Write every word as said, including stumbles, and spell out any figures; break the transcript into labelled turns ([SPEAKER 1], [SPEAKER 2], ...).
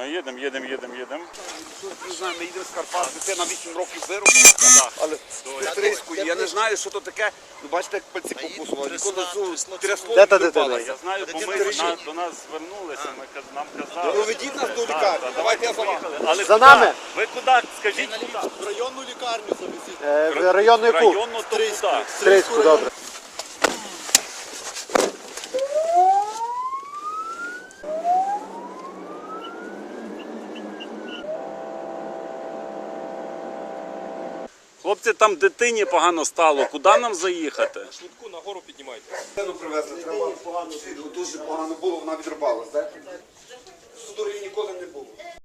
[SPEAKER 1] їдемо, їдемо, їдемо, їдемо.
[SPEAKER 2] Не знаю, ми їдемо з Карпат, дитина вісім років вирубала, але стриску, я не знаю, що то таке. Ну, бачите, як пальці покусували, ніколи цю трясло
[SPEAKER 3] Де та
[SPEAKER 2] не
[SPEAKER 3] дитина?
[SPEAKER 2] впала.
[SPEAKER 1] Я знаю, бо ми на- до нас звернулися, ми каз- нам казали.
[SPEAKER 2] Проведіть нас до лікарні, давайте я за вами.
[SPEAKER 1] Але
[SPEAKER 3] За
[SPEAKER 1] куди?
[SPEAKER 3] нами.
[SPEAKER 1] Ви куди? Скажіть, куди?
[SPEAKER 4] В районну лікарню завезіть.
[SPEAKER 3] Е, в районну яку?
[SPEAKER 1] Районну то куди?
[SPEAKER 3] Стрийську, добре.
[SPEAKER 1] Хлопці, там дитині погано стало. Куди нам заїхати?
[SPEAKER 4] Швидку нагору піднімайте.
[SPEAKER 2] Дитину привезли, треба. Дуже погано було, вона відрубалась, так? Судорів ніколи не було.